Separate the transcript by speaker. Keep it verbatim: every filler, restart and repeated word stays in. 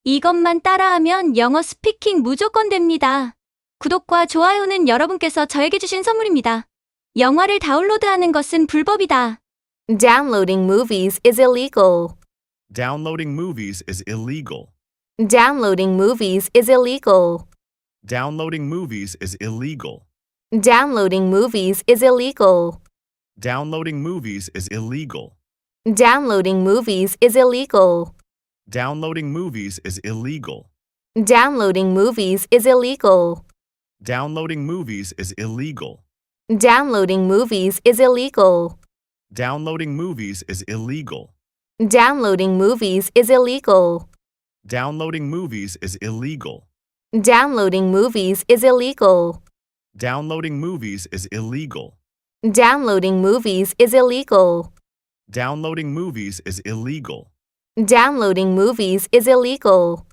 Speaker 1: 이것만 따라하면 영어 스피킹 무조건 됩니다. 구독과 좋아요는 여러분께서 저에게 주신 선물입니다. 영화를 다운로드하는 것은 불법이다.
Speaker 2: Downloading movies is illegal.
Speaker 3: Downloading movies is illegal.
Speaker 2: Downloading movies is illegal.
Speaker 3: Downloading movies is illegal.
Speaker 2: Downloading movies is illegal.
Speaker 3: Downloading movies is illegal.
Speaker 2: Downloading movies is illegal.
Speaker 3: Downloading movies is illegal.
Speaker 2: Downloading movies is illegal.
Speaker 3: Downloading movies is illegal.
Speaker 2: Downloading movies is illegal.
Speaker 3: Downloading movies is illegal.
Speaker 2: Downloading movies is illegal.
Speaker 3: Downloading movies is illegal.
Speaker 2: Downloading movies is illegal.
Speaker 3: Downloading movies is illegal.
Speaker 2: Downloading movies is illegal.
Speaker 3: Downloading movies is illegal.
Speaker 2: Downloading movies is illegal.